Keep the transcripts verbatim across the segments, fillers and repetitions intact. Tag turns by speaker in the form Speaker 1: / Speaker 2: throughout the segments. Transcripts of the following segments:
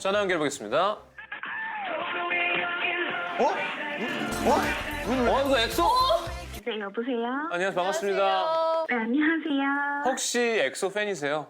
Speaker 1: 전화 연결해보겠습니다.
Speaker 2: 어? 어?
Speaker 1: 어, 이거 엑소?
Speaker 3: 네, 여보세요?
Speaker 1: 안녕하세요, 반갑습니다.
Speaker 3: 네, 안녕하세요.
Speaker 1: 혹시 엑소 팬이세요?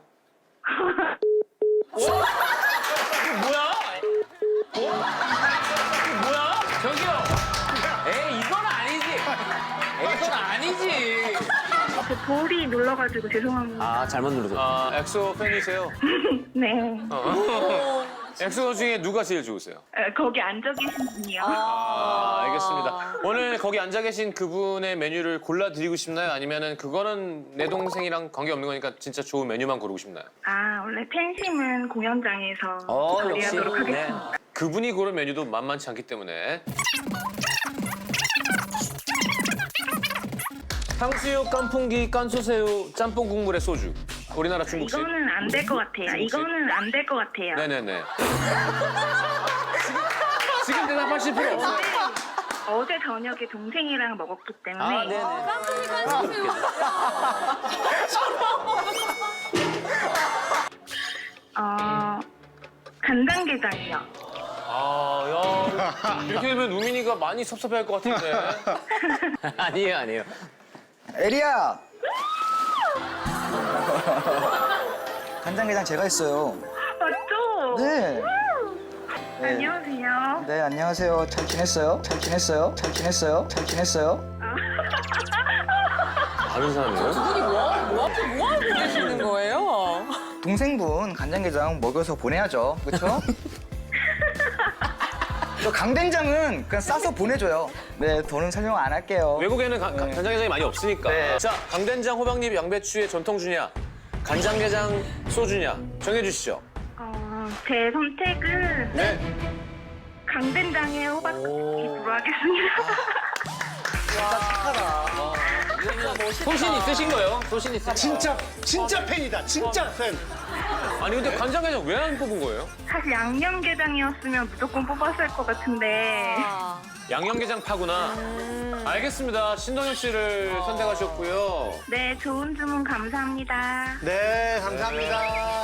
Speaker 1: 어? 이거 뭐야? 어? 이거 뭐야? 저기요. 에이, 이건 아니지. 에이, 이건 아니지.
Speaker 3: 저 볼이 눌러가지고 죄송합니다.
Speaker 4: 아, 잘못 누르셨
Speaker 1: 아, 엑소 팬이세요?
Speaker 3: 네.
Speaker 1: 어. 엑소 중에 누가 제일 좋으세요?
Speaker 3: 에, 거기 앉아 계신 분이요.
Speaker 1: 아, 알겠습니다. 오늘 거기 앉아 계신 그분의 메뉴를 골라드리고 싶나요? 아니면은 그거는 내 동생이랑 관계없는 거니까 진짜 좋은 메뉴만 고르고 싶나요?
Speaker 3: 아, 원래 팬심은 공연장에서
Speaker 4: 어,
Speaker 3: 처리하도록
Speaker 4: 역시.
Speaker 3: 하겠습니다.
Speaker 1: 그분이 고른 메뉴도 만만치 않기 때문에. 탕수육, 깐풍기, 깐소새우, 짬뽕 국물에 소주. 우리나라 중국식.
Speaker 3: 이거는 안 될 것 같아요.
Speaker 1: 중국식?
Speaker 3: 이거는 안 될 것 같아요.
Speaker 1: 네네네. 지금 대답하실 필요 없어요.
Speaker 3: 어제 저녁에 동생이랑 먹었기 때문에
Speaker 4: 아, 네네.
Speaker 3: 어, 간장게장이요.
Speaker 1: 아, 야. 이렇게 되면 우민이가 많이 섭섭해할 것 같은데.
Speaker 4: 아니에요, 아니에요.
Speaker 2: 에리야! 간장게장 제가 했어요.
Speaker 3: 맞죠?
Speaker 2: 네. 네.
Speaker 3: 안녕하세요.
Speaker 2: 네, 안녕하세요. 잘 지냈어요? 잘 지냈어요? 잘 지냈어요? 잘 지냈어요?
Speaker 1: 다른 사람이에요?
Speaker 5: 뭐 하고 계시는 거예요?
Speaker 2: 동생분 간장게장 먹여서 보내야죠. 그렇죠? 저 강된장은 그냥 싸서 보내줘요. 네, 더는 설명 안 할게요.
Speaker 1: 외국에는 가- 가- 간장게장이 많이 없으니까.
Speaker 2: 네.
Speaker 1: 자, 강된장, 호박잎, 양배추의 전통주냐, 간장게장, 소주냐 정해주시죠.
Speaker 3: 어, 제 선택은
Speaker 1: 네.
Speaker 3: 강된장에 호박잎으로 하겠습니다.
Speaker 1: 소신 있으신 거예요? 소신 있으신
Speaker 6: 진짜 진짜 팬이다. 진짜 팬.
Speaker 1: 아니 근데 간장게장 왜 안 뽑은 거예요?
Speaker 3: 사실 양념게장이었으면 무조건 뽑았을 것 같은데
Speaker 1: 양념게장 파구나. 알겠습니다. 신동엽 씨를 선택하셨고요.
Speaker 3: 네, 좋은 주문 감사합니다.
Speaker 6: 네, 감사합니다.